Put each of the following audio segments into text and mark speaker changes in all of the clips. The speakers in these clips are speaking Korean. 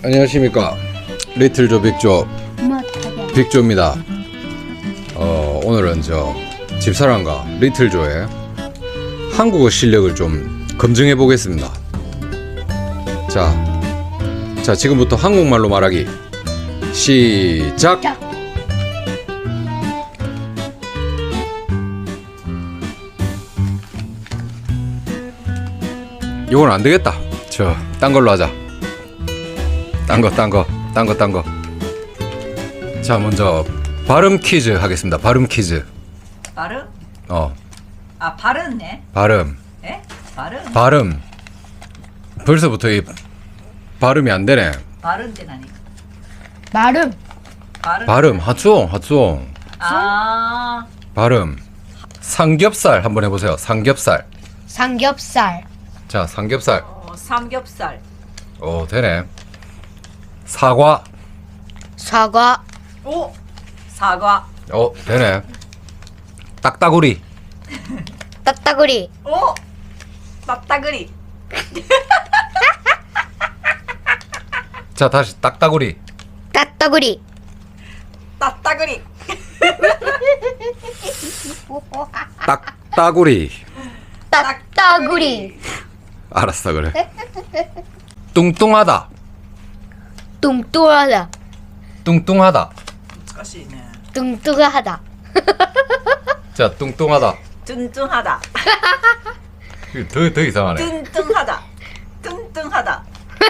Speaker 1: 안녕하십니까. 리틀조 빅조 빅조입니다. 오늘은 저 집사람과 리틀조의 한국어 실력을 좀 검증해 보겠습니다. 자 지금부터 한국말로 말하기 시작. 이건 안 되겠다. 딴 걸로 하자. 딴 거. 자, 먼저 발음 퀴즈 하겠습니다. 발음 퀴즈.
Speaker 2: 발음? 발음네.
Speaker 1: 발음.
Speaker 2: 에? 발음?
Speaker 1: 발음. 벌써부터 이 발음이 안 되네.
Speaker 2: 발음대 나니.
Speaker 3: 발음.
Speaker 1: 발음. 하추옹.
Speaker 2: 아,
Speaker 1: 발음. 삼겹살 한번 해보세요. 삼겹살.
Speaker 3: 삼겹살.
Speaker 1: 자, 삼겹살.
Speaker 2: 삼겹살.
Speaker 1: 오, 되네. 사과.
Speaker 3: 사과.
Speaker 2: 오, 사과.
Speaker 1: 되네. 딱따구리.
Speaker 3: 따따구리.
Speaker 2: 오, 딱따구리.
Speaker 1: 자, 다시 딱따구리.
Speaker 3: 따따구리.
Speaker 2: 딱따구리.
Speaker 1: 딱따구리.
Speaker 3: 따따구리.
Speaker 1: 알았어, 그래. 뚱뚱하다.
Speaker 3: 뚱뚱하다.
Speaker 1: 뚱뚱하다.
Speaker 2: 難しいね.
Speaker 3: 뚱뚱하다.
Speaker 1: 자, 뚱뚱하다.
Speaker 2: 뚱뚱하다.
Speaker 1: 더 이상하네.
Speaker 2: 뚱뚱하다. 뚱뚱하다.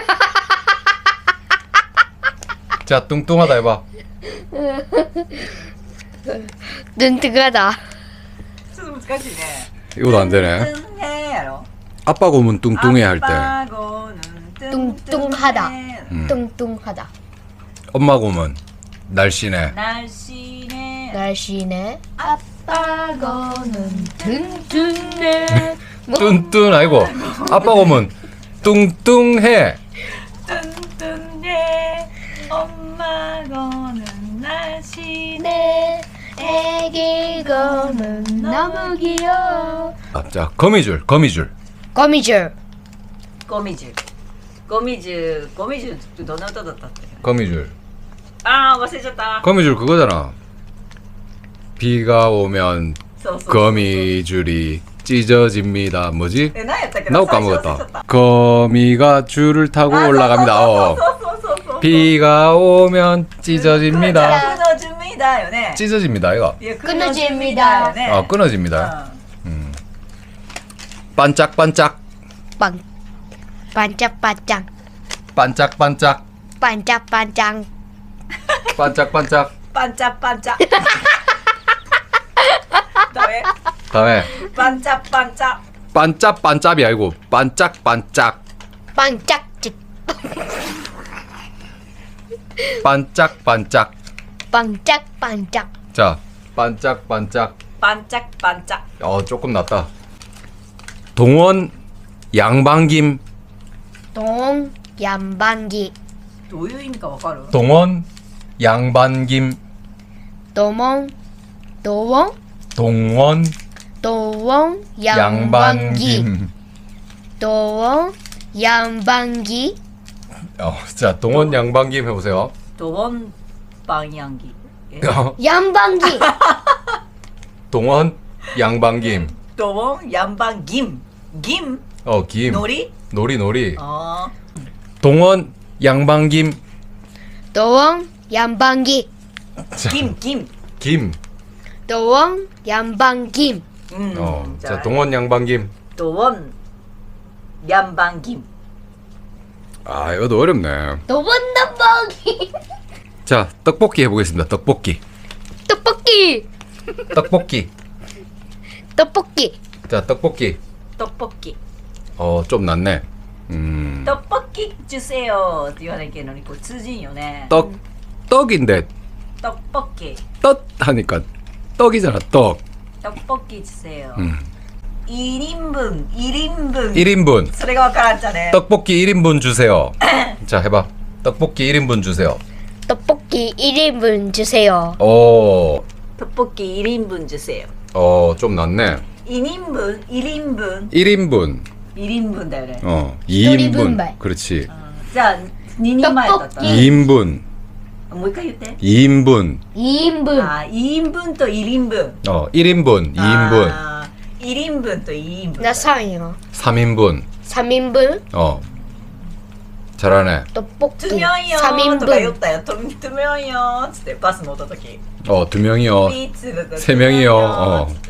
Speaker 1: 자, 뚱뚱하다 해봐.
Speaker 3: 뚱뚱하다.
Speaker 2: ちょっと難しいね.
Speaker 1: 이것도 안 되네.
Speaker 2: 뚱뚱해 야로.
Speaker 1: 아빠 고문 뚱뚱해 할 때.
Speaker 2: 아빠고는
Speaker 3: 뚱뚱하다.
Speaker 2: 뚱뚱해.
Speaker 3: 뚱뚱하다.
Speaker 1: 엄마 고문 날씬해.
Speaker 2: 날씬해.
Speaker 3: 날씬해. 아빠고는 튼튼해.
Speaker 1: 뚠뚠 아이고. 아빠 고문 뚱뚱해.
Speaker 2: 뚱뚱해. 엄마고는 날씬해.
Speaker 3: 네. 애기고는 너무 귀여워.
Speaker 1: 자, 거미줄.
Speaker 3: 거미줄.
Speaker 2: 거미줄. 거미줄 どんな歌だったっけ?
Speaker 1: 거미줄.
Speaker 2: 아, 忘れちゃった.
Speaker 1: 거미줄 그거잖아. 비가 오면
Speaker 2: そうそうそう.
Speaker 1: 거미줄이 찢어집니다. 뭐지?
Speaker 2: 何やったっけ?
Speaker 1: 나도 까먹었다. 거미가 줄을 타고 올라갑니다.
Speaker 2: そうそうそう。
Speaker 1: 비가 오면 찢어집니다.
Speaker 2: 끊어집니다. よね.
Speaker 1: 찢어집니다, 이거.
Speaker 3: 끊어집니다.
Speaker 2: よね.
Speaker 1: 끊어집니다. 반짝반짝.
Speaker 3: 빵. 반짝반짝.
Speaker 1: 반짝반짝.
Speaker 3: 반짝반짝.
Speaker 1: 반짝반짝.
Speaker 2: 반짝반짝. 다음에
Speaker 1: 다음에
Speaker 2: 반짝반짝.
Speaker 1: 반짝반짝이 아니고 반짝반짝.
Speaker 3: 반짝찍.
Speaker 1: 반짝반짝.
Speaker 3: 반짝반짝.
Speaker 1: 자, 반짝반짝.
Speaker 2: 반짝반짝.
Speaker 1: 조금 낫다. 동원 양반김.
Speaker 3: 동 양반기.
Speaker 2: どういう意味かわかる?
Speaker 1: 동원 양반김.
Speaker 3: 도몽 도원
Speaker 1: 동원
Speaker 3: 도원 양반기.
Speaker 1: 양반김.
Speaker 3: 도원 양반기.
Speaker 1: 자, 동원 양반김 해보세요.
Speaker 2: 도원 방향기.
Speaker 3: 양반기.
Speaker 1: 동원 양반김.
Speaker 2: 도원 양방김. 김.
Speaker 1: 김.
Speaker 2: 놀이?
Speaker 1: 놀이.
Speaker 2: 어.
Speaker 1: 동원 양반김.
Speaker 3: 도원 양반기.
Speaker 1: 자,
Speaker 2: 김.
Speaker 1: 김.
Speaker 3: 도원 양반김.
Speaker 1: 자, 동원 양반김.
Speaker 2: 도원 양방김.
Speaker 1: 이것도 어렵네.
Speaker 3: 도원 양반기.
Speaker 1: 자, 떡볶이 해보겠습니다. 떡볶이.
Speaker 3: 떡볶이. 떡볶이.
Speaker 1: 자, 떡볶이.
Speaker 2: 떡볶이.
Speaker 1: 좀 낫네.
Speaker 2: 떡볶이 주세요. って言わなきゃいけないのにこう通じんよね.
Speaker 1: 떡인데
Speaker 2: 떡볶이.
Speaker 1: 떡 하니까 떡이잖아. 떡.
Speaker 2: 떡볶이 주세요. 1인분. 1인분.
Speaker 1: 1인분.
Speaker 2: それがわからんじゃね.
Speaker 1: 떡볶이 1인분 주세요. 자, 해봐. 떡볶이 1인분 주세요.
Speaker 3: 떡볶이 1인분 주세요.
Speaker 2: 떡볶이 1인분 주세요.
Speaker 1: 좀 낫네.
Speaker 2: 2인분, 1인분.
Speaker 1: 1인분.
Speaker 2: 1인분だよね.
Speaker 1: 2인분.
Speaker 3: 요리분발.
Speaker 1: 그렇지.
Speaker 2: じゃあ 2人前だった。
Speaker 1: 2인분.
Speaker 2: もう一回言って。
Speaker 1: 2인분.
Speaker 3: 2인분.
Speaker 2: あ、2인분と 1인분。
Speaker 1: 1인분, 2인분,
Speaker 2: あー、1인분と 2인분。
Speaker 3: 나 3이요.
Speaker 1: 3인분.
Speaker 3: 3인분.
Speaker 1: 잘하네.
Speaker 3: 떡볶이.
Speaker 2: トゥミョンよーとか言っ
Speaker 3: 3인분.
Speaker 2: たよ。トゥミョンよーっつってバス乗った時。
Speaker 1: 2명이요.
Speaker 2: ピーツだった
Speaker 1: 세 명이요.
Speaker 2: トゥミョンよーっつって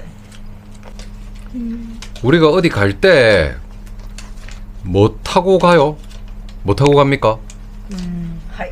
Speaker 1: 우리가 어디 갈 때 뭐 타고 가요? 뭐 타고 갑니까?
Speaker 2: はい。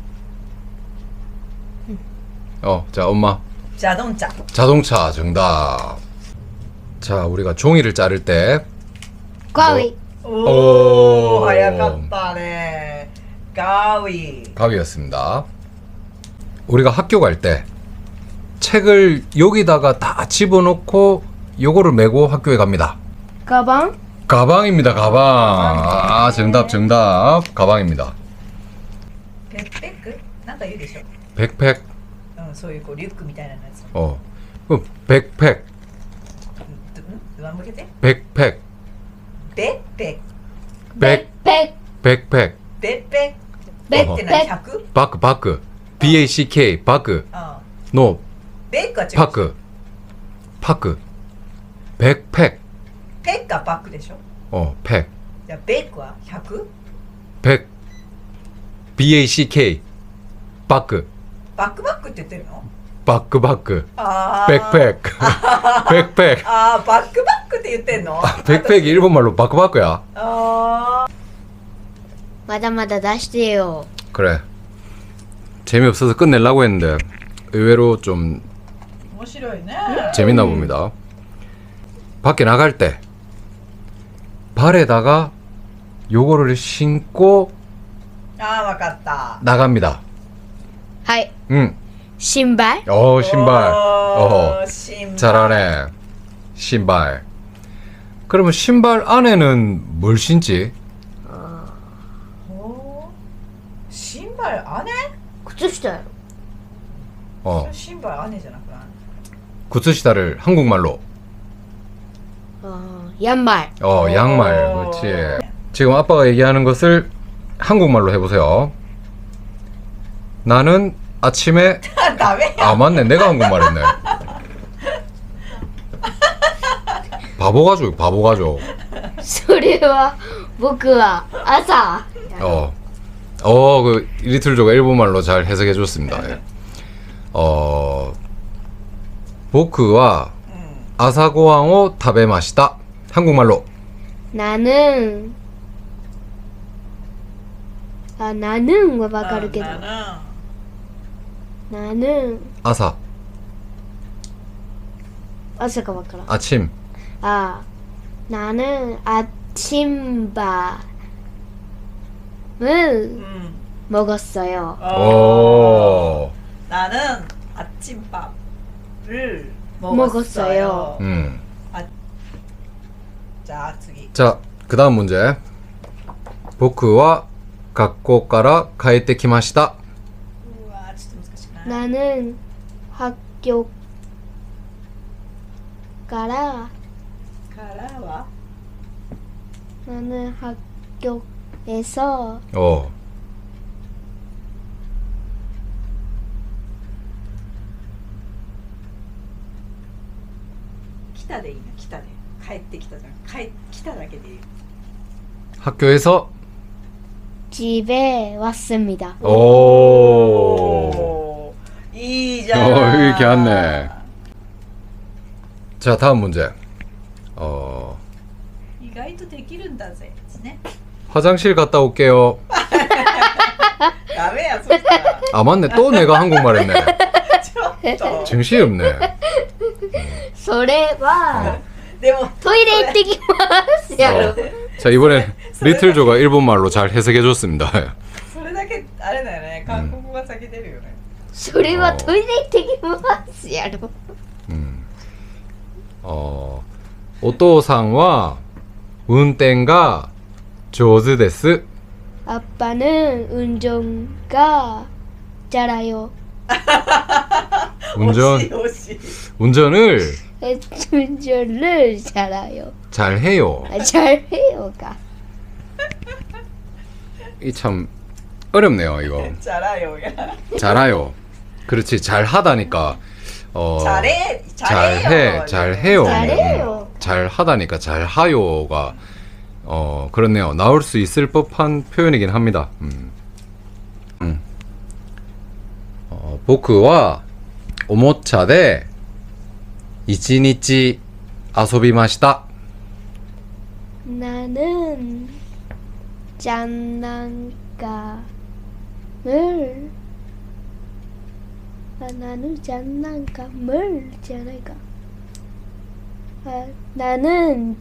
Speaker 1: 자, 엄마.
Speaker 2: ジャドンチャ。
Speaker 1: 자동차 정답. 자, 우리가 종이를 자를 때
Speaker 3: 가위.
Speaker 2: おー、早かったね。ガーウィー。
Speaker 1: 가위였습니다. 우리가 학교 갈 때 책을 여기다가 다 집어넣고 요거를 메고 학교에 갑니다.
Speaker 3: 가방.
Speaker 1: 가방입니다. 가방. 아, 정답. 가방입니다.
Speaker 2: ペッペックなんか言うでしょ。
Speaker 1: 백팩.
Speaker 2: うん、そういうこうリュックみたいなやつ。
Speaker 1: 그럼 백팩.
Speaker 2: 上向けて。
Speaker 1: 백팩.
Speaker 2: ベッペ
Speaker 1: 백.
Speaker 3: 백.
Speaker 1: 백팩.
Speaker 2: ッベッペッベッって何 100？
Speaker 1: 바크. BACK. 바크.
Speaker 2: あ
Speaker 1: 노.
Speaker 2: ベックは違う。
Speaker 1: 파크. 백팩.
Speaker 2: ペックはバックでしょ。
Speaker 1: 팩.
Speaker 2: じゃあベックは 100？
Speaker 1: 백. BACK. 바크.
Speaker 2: バックバックって言ってるの？
Speaker 1: 바크.
Speaker 2: あー。
Speaker 1: 백팩. 백팩.
Speaker 2: あー、バックバックって言ってんの？
Speaker 1: 백팩이 일본말로 바크바크야.
Speaker 2: あ
Speaker 3: 마다마다 다시요.
Speaker 1: 그래. 재미없어서 끝내려고 했는데 의외로 좀
Speaker 2: ー、面白いね。
Speaker 1: 재밌나 봅니다. 밖에 나갈 때 발에다가 요거를 신고
Speaker 2: あー、わかった。
Speaker 1: 나갑니다.
Speaker 3: 하이.
Speaker 1: 응.
Speaker 3: 신발.
Speaker 1: 신발.
Speaker 2: おー、新聞。
Speaker 1: 잘하네. 신발. 그러면 신발 안에는 뭘 신지?
Speaker 2: おー、新발 안에？
Speaker 3: 靴下よ.
Speaker 2: 신발 안에じゃなくない？
Speaker 1: 구스시다를 한국말로.
Speaker 3: 양말.
Speaker 1: 양말. 그렇지. 지금 아빠가 얘기하는 것을 한국말로 해보세요. 나는 아침에
Speaker 2: ダメや。
Speaker 1: 아 맞네 내가 한국말 했네. 바보 가족.
Speaker 3: それは僕は朝.
Speaker 1: 그 리틀조가 일본말로 잘 해석해 줬습니다. 예. 보크와 아사고항を 食べました. 한국말로
Speaker 3: 나는 나는 와 わかるけど. 나는
Speaker 1: 아사가
Speaker 3: 아사가 わからん.
Speaker 1: 아침.
Speaker 3: 나는 아침밥을
Speaker 2: うん。
Speaker 3: 먹었어요.
Speaker 1: 오.
Speaker 2: 나는 아침밥을
Speaker 3: 먹었어요.
Speaker 2: 먹었어요. 자, 次.
Speaker 1: 자, 그다음 문제. 보크와 学校から帰ってきました.
Speaker 2: 우와, 진짜 難しいな.
Speaker 3: 나는 학교から
Speaker 2: 가라와
Speaker 3: 나는 학교에서
Speaker 2: 기타でいいな. 기타で. 帰ってきたじゃん.来ただけでいい.
Speaker 1: 학교에서
Speaker 3: 집에 왔습니다.
Speaker 1: 오.
Speaker 2: 이잖아.
Speaker 1: 이렇게 왔네. 자, 다음 문제.
Speaker 2: 意外とできるんだぜ. 네?
Speaker 1: 화장실 갔다 올게요.
Speaker 2: ダメやそしたら.
Speaker 1: 아 맞네. 또 내가 한국말 했네.
Speaker 2: ちょっと.
Speaker 1: 정신이 없네.
Speaker 3: それは
Speaker 2: でも
Speaker 3: トイレ行ってきますやろ.
Speaker 1: 자, 이번엔 리틀조가 일본말로 잘 해석해 줬습니다.
Speaker 2: それだけあれだよね.韓国語が先出るよね.
Speaker 3: それはトイレ行ってきますやろ.
Speaker 1: お父さんは運転が上手です.
Speaker 3: 아빠는 운전가 잘해요.
Speaker 1: 운전을
Speaker 3: 운전을 잘해요.
Speaker 1: 잘해요.
Speaker 3: 잘해요가.
Speaker 1: 이 참 어렵네요 이거.
Speaker 2: 잘해요야.
Speaker 1: 잘해요. 그렇지 잘하다니까.
Speaker 2: 잘해.
Speaker 1: 잘해요.
Speaker 3: 잘해요.
Speaker 1: 잘하다니까 잘하요가 그렇네요. 나올 수 있을 법한 표현이긴 합니다. 보크와 오모차で 1日 遊びました.
Speaker 3: 나는 장난감을 나는 장난감을 나는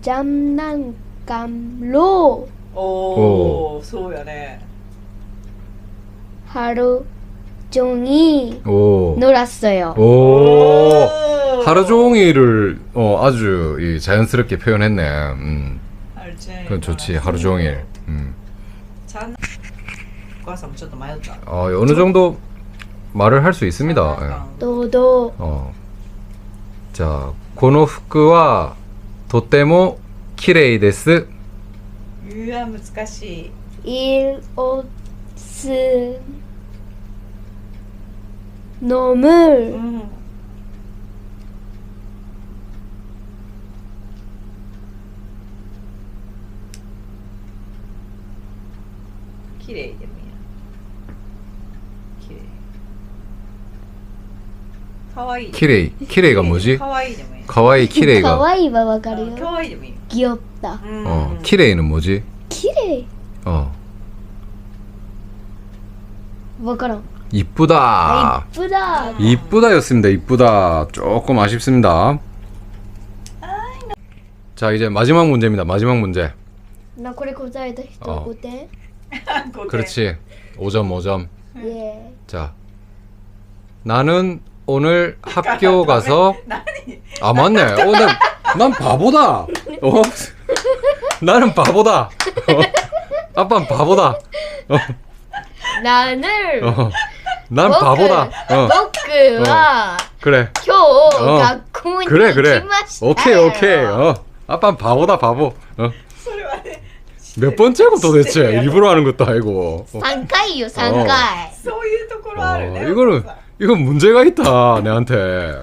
Speaker 3: 장난감로
Speaker 2: 오, そうやね.
Speaker 3: 하루 종일
Speaker 1: 오.
Speaker 3: 놀았어요.
Speaker 1: 오. 하루 종일을 아주 자연스럽게 표현했네. 그건 좋지. 하루 종일.
Speaker 2: お母さんもちょっと迷った
Speaker 1: 어느 정도 말을 할 수 있습니다. 예.
Speaker 3: 너도
Speaker 1: 자, この服はとても綺麗です.
Speaker 2: うわ難しい
Speaker 3: 이 옷은 너무
Speaker 2: うん綺麗でもいいや綺麗かわいい
Speaker 1: 키레이가 뭐지?
Speaker 2: かわいいでもいい
Speaker 1: 가와이 키레이가.
Speaker 3: 가와이가 와가리요.
Speaker 2: かわいいでもいい
Speaker 3: 귀엽다.
Speaker 1: 키레이는 뭐지?
Speaker 3: 키레. 와가라.
Speaker 1: 이쁘다.
Speaker 3: 이쁘다.
Speaker 1: 이쁘다였습니다. 이쁘다. 조금 아쉽습니다. 자, 이제 마지막 문제입니다. 마지막 문제.
Speaker 3: 나これ答えた人5点?
Speaker 1: 그렇지. 5점, 5점.
Speaker 3: 예.
Speaker 1: 자, 나는 오늘 학교 가서 아 맞네. 난 바보다. 나는 바보다. 아빠는 바보다.
Speaker 3: 나는
Speaker 1: 난 바보다.
Speaker 3: 僕は
Speaker 1: 그래.
Speaker 3: 今日学校に
Speaker 1: 그래
Speaker 3: 行
Speaker 1: 그래.
Speaker 3: きましたよ.
Speaker 1: 오케이 오케이. 아빠는 바보다 바보.
Speaker 2: それはね
Speaker 1: 몇 번째고 도대체 일부러 하는 것도 아니고.
Speaker 3: 3回よ3回.
Speaker 2: そういうところあるね
Speaker 1: 이건 문제가 있다 내한테.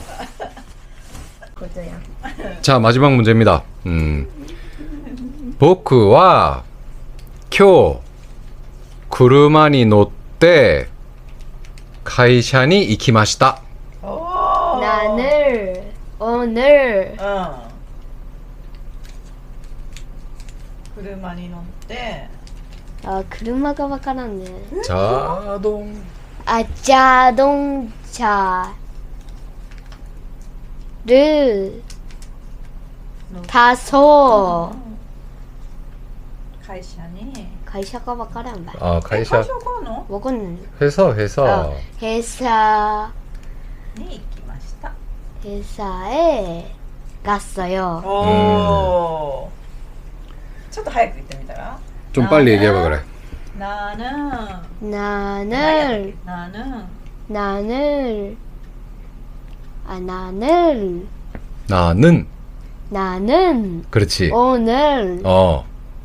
Speaker 1: 자 마지막 문제입니다. 보크와 今日 車に乗って会社に行きました.
Speaker 3: 나는 오늘
Speaker 2: 車に乗って
Speaker 3: 아, 車がわからんね.
Speaker 1: 자동
Speaker 3: 아, 자동차를 타서
Speaker 2: 会社に
Speaker 3: 회사가 わからんば.
Speaker 1: 아
Speaker 2: 会社
Speaker 1: 회사
Speaker 2: があるの
Speaker 3: 먹었는.
Speaker 1: 회사
Speaker 3: 회사
Speaker 2: に行きました
Speaker 3: 회사에 갔어요.
Speaker 2: おーちょっと早く言ってみたら
Speaker 1: 좀 빨리 얘기해봐 그래.
Speaker 2: 나는
Speaker 3: 나는
Speaker 2: 나는
Speaker 3: 나는 나는
Speaker 1: 그렇지.
Speaker 3: 오늘
Speaker 1: 어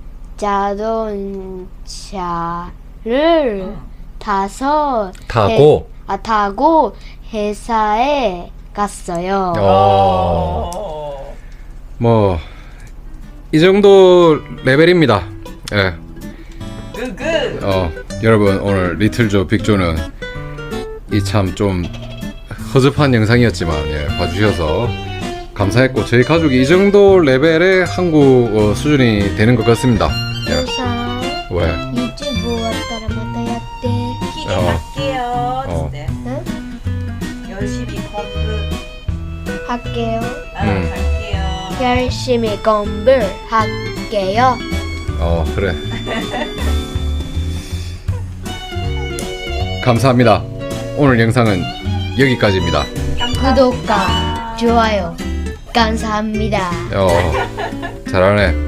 Speaker 3: 자동차를 타서
Speaker 1: 타고
Speaker 3: 타고 회사에 갔어요.
Speaker 1: 뭐 이 정도 레벨입니다. 예.
Speaker 2: ググ
Speaker 1: 여러분 오늘 리틀조 빅조는 이 참 좀 허접한 영상이었지만 예, 봐주셔서 감사했고 저희 가족이 이 정도 레벨의 한국 수준이 되는 것 같습니다. 예.
Speaker 3: 회사
Speaker 1: 왜?
Speaker 3: 유튜브 왔다라 마다 야tte.
Speaker 2: 聞いてはっけよーっつって
Speaker 3: 응?
Speaker 2: 열심히
Speaker 3: 할게요.
Speaker 2: 할게요
Speaker 3: 열심히 공부할게요.
Speaker 1: 그래. 감사합니다. 오늘 영상은 여기까지입니다.
Speaker 3: 구독과 좋아요 감사합니다.
Speaker 1: 잘하네.